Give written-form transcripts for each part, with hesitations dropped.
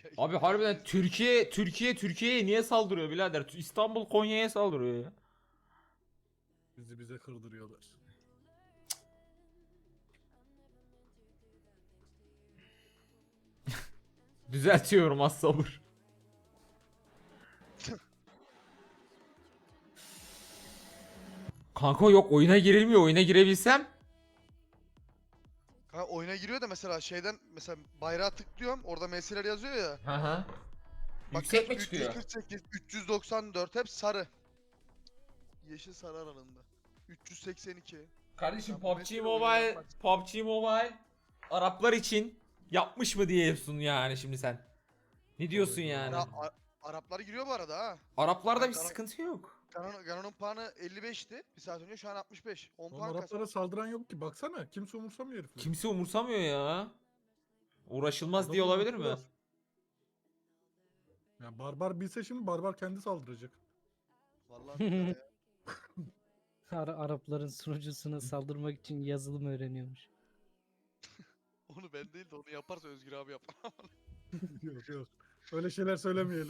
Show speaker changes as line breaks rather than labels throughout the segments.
Abi harbiden Türkiye'ye niye saldırıyor birader? İstanbul Konya'ya saldırıyor ya.
Bize kırdırıyorlar.
Düzeltiyorum az sabır. Kanka yok oyuna girilmiyor. Oyuna girebilsem.
Ha, oyuna giriyor da mesela şeyden mesela bayrağı tıklıyorum orada meseleler yazıyor ya.
Hı hı.
Bak
Yüksek
kaç?
mi çıkıyor?
348, 394 hep sarı. Yeşil sarı aralığında. 382.
Kardeşim
Ya bu
PUBG
mesele oyunu
Mobile,
yapmak.
PUBG Mobile Araplar için yapmış mı diyorsun yani şimdi sen? Ne diyorsun
Tabii,
yani?
Araplar giriyor bu arada ha.
Araplarda
Ben
bir sıkıntı yok.
Gano'nun puanı 55'ti. Bir saat önce şu an 65. 10
Oğlum
puan kas.
Araplara saldıran yok ki. Baksana kimse umursamıyor herifleri.
Kimse umursamıyor ya. Uğraşılmaz diye
Adamı
olabilir mi?
unuttular. Ya barbar bilse şimdi barbar kendi saldıracak.
Vallahi billahi ya.
Arapların sunucusuna saldırmak için yazılım öğreniyormuş.
Onu ben değil de onu yaparsa Özgür abi yapar.
Yok yok. Öyle şeyler söylemeyelim.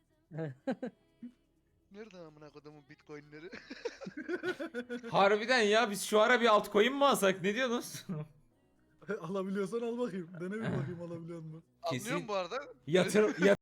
Nerede amına kodumun bitcoinleri?
Harbiden ya biz şu ara bir altcoin mi alsak ne diyorsunuz?
Alabiliyorsan al bakayım. Dene bir bakayım alabiliyor musun?
Kesin.
Anlıyor musun bu arada?
Yatır